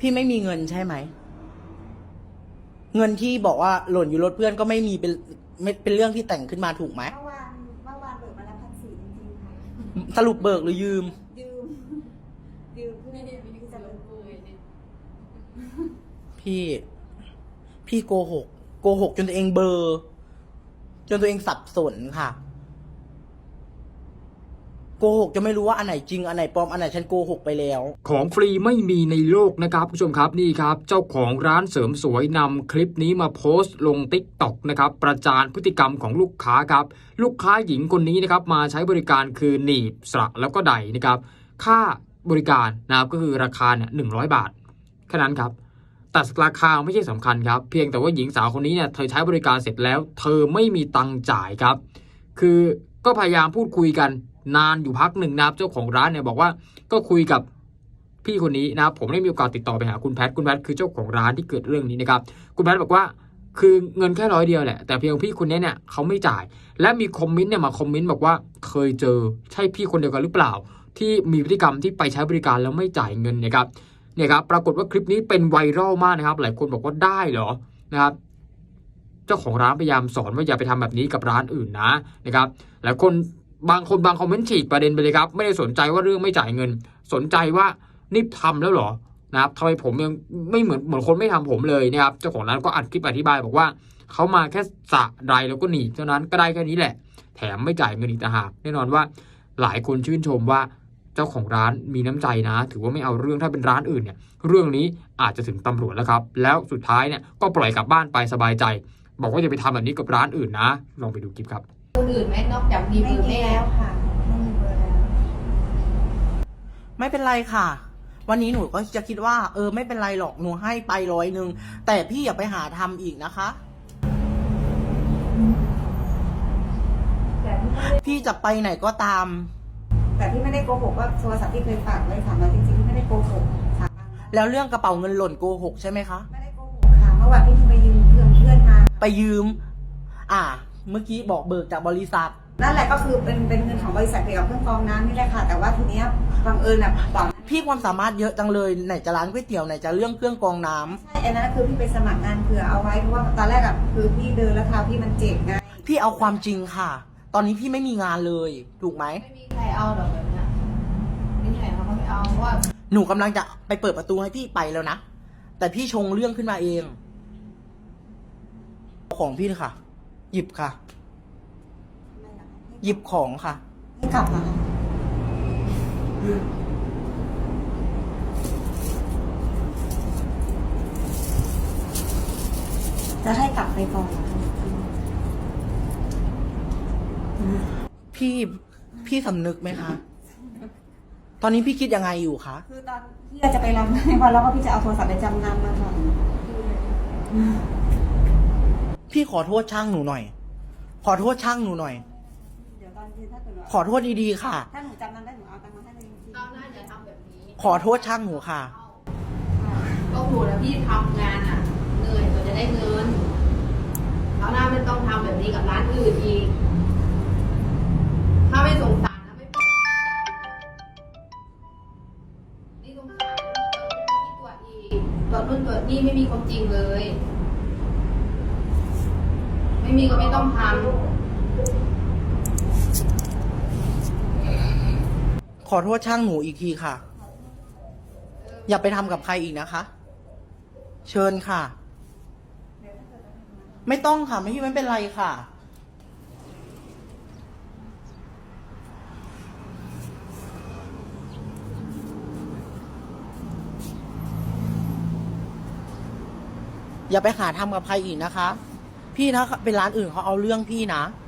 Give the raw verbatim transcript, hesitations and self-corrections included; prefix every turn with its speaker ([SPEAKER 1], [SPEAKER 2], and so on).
[SPEAKER 1] พี่ไม่มีเงินใช่ไหมเงินที่บอกว่าหล่นอยู่รถเพื่อนก็ไม่มีเป็นไม่เป็นเรื่องที่แต่งขึ้นมาถูกไหม
[SPEAKER 2] เมื่อวานเมื่อวานเบิกมาแล้วพันสี่จริงๆค่ะ
[SPEAKER 1] สรุปเบิกหรือยืม
[SPEAKER 2] ยืมยืมเพื่อที่จะลงทุน
[SPEAKER 1] พี่ พี่โกหกโกหกจนตัวเองเบลอจนตัวเองสับสนค่ะโกหกจะไม่รู้ว่าอันไหนจริงอันไหนปลอมอันไหนฉันโกหกไปแล้ว
[SPEAKER 3] ของฟรีไม่มีในโลกนะครับผู้ชมครับนี่ครับเจ้าของร้านเสริมสวยนำคลิปนี้มาโพสต์ลง ติ๊กต็อก นะครับประจานพฤติกรรมของลูกค้าครับลูกค้าหญิงคนนี้นะครับมาใช้บริการคือหนีบสระแล้วก็ไดนะครับค่าบริการนะครับก็คือราคาเนี่ยหนึ่งร้อยบาทแค่นั้นครับแต่ราคาไม่ใช่สำคัญครับเพียงแต่ว่าหญิงสาวคนนี้เนี่ยเธอใช้บริการเสร็จแล้วเธอไม่มีตังค์จ่ายครับคือก็พยายามพูดคุยกันนานอยู่พักหนึ่งนะครับเจ้าของร้านเนี่ยบอกว่าก็คุยกับพี่คนนี้นะครับผมได้มีโอกาสติดต่อไปหาคุณแพทคุณแพทคือเจ้าของร้านที่เกิดเรื่องนี้นะครับคุณแพทบอกว่าคือเงินแค่ร้อยเดียวแหละแต่เพียงพี่คนนี้เนี่ยเขาไม่จ่ายและมีคอมเมนต์เนี่ยมาคอมเมนต์บอกว่าเคยเจอใช่พี่คนเดียวกันหรือเปล่าที่มีพฤติกรรมที่ไปใช้บริการแล้วไม่จ่ายเงินนะครับเนี่ยครับปรากฏว่าคลิปนี้เป็นไวรัลมากนะครับหลายคนบอกว่าได้เหรอนะครับเจ้าของร้านพยายามสอนว่าอย่าไปทำแบบนี้กับร้านอื่นนะนะครับหลายคนบางคนบางคอมเมนต์ฉีกประเด็นไปเลยครับไม่ได้สนใจว่าเรื่องไม่จ่ายเงินสนใจว่านี่ทำแล้วเหรอนะครับทำไมผมยังไม่เหมือนเหมือนคนไม่ทำผมเลยนะครับเจ้าของร้านก็อัดคลิปอธิบายบอกว่าเขามาแค่สระใดแล้วก็หนีเท่านั้นก็ได้แค่นี้แหละแถมไม่จ่ายเงินอีกต่างหากแน่นอนว่าหลายคนชื่นชมว่าเจ้าของร้านมีน้ำใจนะถือว่าไม่เอาเรื่องถ้าเป็นร้านอื่นเนี่ยเรื่องนี้อาจจะถึงตำรวจแล้วครับแล้วสุดท้ายเนี่ยก็ปล่อยกลับบ้านไปสบายใจบอกว่าอย่าไปทำแบบนี้กับร้านอื่นนะลองไปดูคลิปครับ
[SPEAKER 4] คนอื่นไหมนอกจากมีเบอร์แม่
[SPEAKER 2] แล้วค่ะไม่มีเบอร์แล้ว
[SPEAKER 1] ไม่เป็นไรค่ะวันนี้หนูก็จะคิดว่าเออไม่เป็นไรหรอกหนูให้ไปร้อยหนึ่งแต่พี่อย่าไปหาทำอีกนะคะพี่จะไปไหนก็ตาม
[SPEAKER 2] แต่พี่ไม่ได้โกหกว่าโทรศัพท์ที่เคยฝากไว้สามร้อยจริงๆพี่ไม่ได้โกหกค่ะ
[SPEAKER 1] แล้วเรื่องกระเป๋าเงินหล่นโกหกใช่ไหมคะ
[SPEAKER 2] ไม่ได้โกหกค่ะเมื่อวานพี่ไปยืมเพื่อนเพื่อนมา
[SPEAKER 1] ไปยืมอ่าเมื่อกี้บอกเบิกจากบริษัท
[SPEAKER 2] นั่นแหละก็คือเป็นเป็นเงินของบริษัทเกี่ยวกับเครื่องกรองน้ำนี่แหละค่ะแต่ว่าทีเนี้ยบังเอิญอ่ะบอก
[SPEAKER 1] พี่ความสามารถเยอะจังเลยไหนจะร้านก๋วยเตี๋ยวไหนจะเรื่องเครื่องกรองน้ำ
[SPEAKER 2] ใช่อันนั้นคือพี่ไปสมัครงานเผื่อเอาไว้เพราะว่าตอนแรกอ่ะคือพี่เดินแล้วเท้าพี่มันเจ็บไง
[SPEAKER 1] พี่เอาความจริงค่ะตอนนี้พี่ไม่มีงานเลยถูกไหม
[SPEAKER 4] ไม่มีใครเอาหรอกแบบนี้ไม่มีใครเขาไม่เอาเพราะว่า
[SPEAKER 1] หนูกำลังจะไปเปิดประตูให้พี่ไปแล้วนะแต่พี่ชงเรื่องขึ้นมาเองของพี่ค่ะหยิบค่ะหยิบของค่ะ
[SPEAKER 2] ให้กลับมาจะให้กลับไปก่อน
[SPEAKER 1] พี่พี่สำนึกไหมคะตอนนี้พี่คิดยังไงอยู่คะ
[SPEAKER 2] คือตอนพี่จะไปรำให้พอแล้วก็พี่จะเอาโทรศัพท์ไปจำนำมาก่อน
[SPEAKER 1] พี่ขอโทษช่างหนูหน่อยขอโทษช่างหนูหน่อย
[SPEAKER 2] เดี๋ยวตอนถ้าเกิด
[SPEAKER 1] ขอโทษดีๆค่ะ
[SPEAKER 2] ถ้าหนูจำนำได้หนูเอาตังค์มาให้เลยจริงๆ
[SPEAKER 4] เอาหน้าอย่าทำแบบนี้
[SPEAKER 1] ขอโทษช่างหนูค่ะ
[SPEAKER 4] ก็ถูกแล้วพี่ทำงานอ่ะเหนื่อยกว่าจะได้เงินเอาหน้าไม่ต้องทำแบบนี้กับร้านอื่นอีกถ้าไม่สงสารนะไม่ปล่อยนี่สงสารที่ตัวอีกตัวนู่นตัวนี่ไม่มีความจริงเลยไม่มีก็ไม่ต้องทำ
[SPEAKER 1] ขอโทษช่างหนูอีกทีค่ะอย่าไปทำกับใครอีกนะคะเชิญค่ะไม่ต้องค่ะไม่ไม่เป็นไรค่ะอย่าไปหาทำกับใครอีกนะคะพี่นะเป็นร้านอื่นเขาเอาเรื่องพี่นะ